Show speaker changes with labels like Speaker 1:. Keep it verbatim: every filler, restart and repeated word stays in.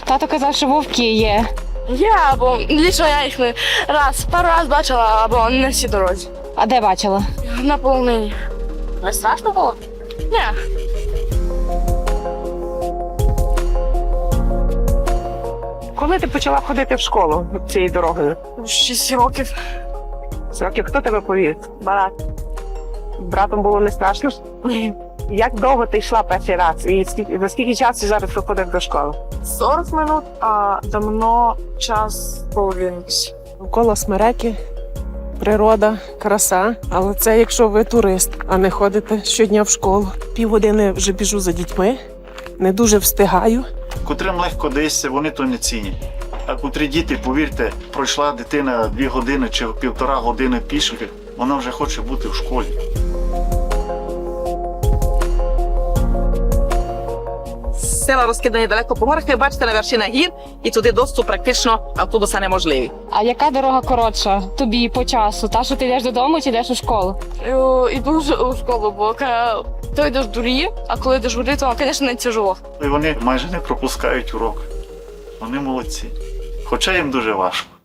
Speaker 1: Тато казав, що вовки є.
Speaker 2: Є, або лічно я їх не раз, пару раз бачила, або не всі дорозі.
Speaker 1: А де бачила?
Speaker 2: На полонині. Не страшно було? Ні.
Speaker 3: Коли ти почала ходити в школу цією дорогою?
Speaker 2: Шість років.
Speaker 3: З років хто тебе повів?
Speaker 2: Брат.
Speaker 3: Братом було не страшно? Як довго ти йшла перший раз? І скільки, за скільки часу зараз виходиш до школи?
Speaker 2: сорок минут, а давно час половини.
Speaker 4: Навколо смереки, природа, краса. Але це якщо ви турист, а не ходите щодня в школу. Півгодини вже біжу за дітьми, не дуже встигаю.
Speaker 5: Котрим легко дається, вони то не цінять. А котрі діти, повірте, пройшла дитина дві години чи півтора години пішки, вона вже хоче бути в школі.
Speaker 6: Села розкидані далеко по горах, ви бачите на вершинах гір, і туди доступ практично автобуса неможливий.
Speaker 1: А яка дорога коротша тобі по часу? Та, що ти йдеш додому чи йдеш у школу?
Speaker 2: Іду вже у школу, бо коли ти йдеш в дурі, а коли йдеш в горі, то, звісно, не тяжело.
Speaker 5: І вони майже не пропускають урок. Вони молодці. Хоча їм дуже важко.